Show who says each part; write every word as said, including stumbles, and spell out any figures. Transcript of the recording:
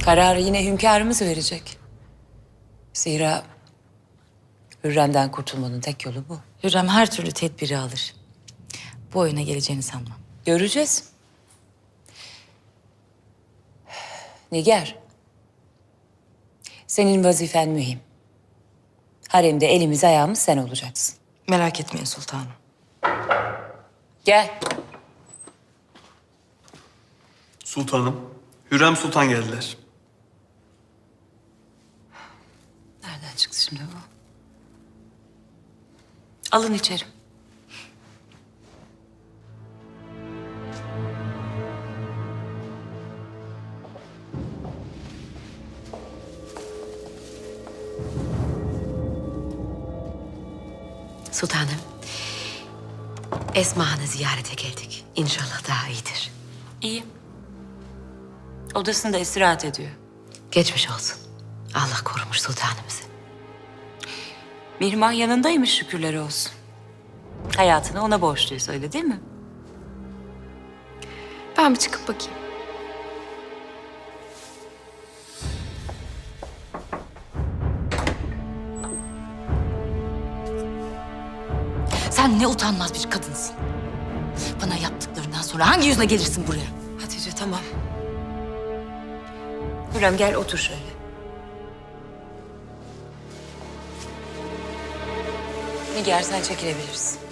Speaker 1: Kararı yine hünkârımız verecek. Zira Hürrem'den kurtulmanın tek yolu bu.
Speaker 2: Hürrem her türlü tedbiri alır. Bu oyuna geleceğini sanmam.
Speaker 1: Göreceğiz. Nigar, senin vazifen mühim. Haremde elimiz ayağımız sen olacaksın.
Speaker 2: Merak etmeyin sultanım.
Speaker 1: Gel.
Speaker 3: Sultanım, Hürrem Sultan geldiler.
Speaker 1: Nereden çıktı şimdi bu? Alın içeri.
Speaker 4: Sultanım, Esma Han'ı ziyarete geldik. İnşallah daha iyidir.
Speaker 1: İyi. Odasında istirahat ediyor.
Speaker 4: Geçmiş olsun. Allah korumuş sultanımızı.
Speaker 1: Mihrimah yanındaymış şükürler olsun. Hayatını ona borçluyuz öyle değil mi?
Speaker 5: Ben bir çıkıp bakayım.
Speaker 2: Sen ne utanmaz bir kadınsın. Bana yaptıklarından sonra hangi yüzle gelirsin buraya?
Speaker 1: Hatice tamam. Hürrem gel otur şöyle. Nigar sen çekilebilirsin.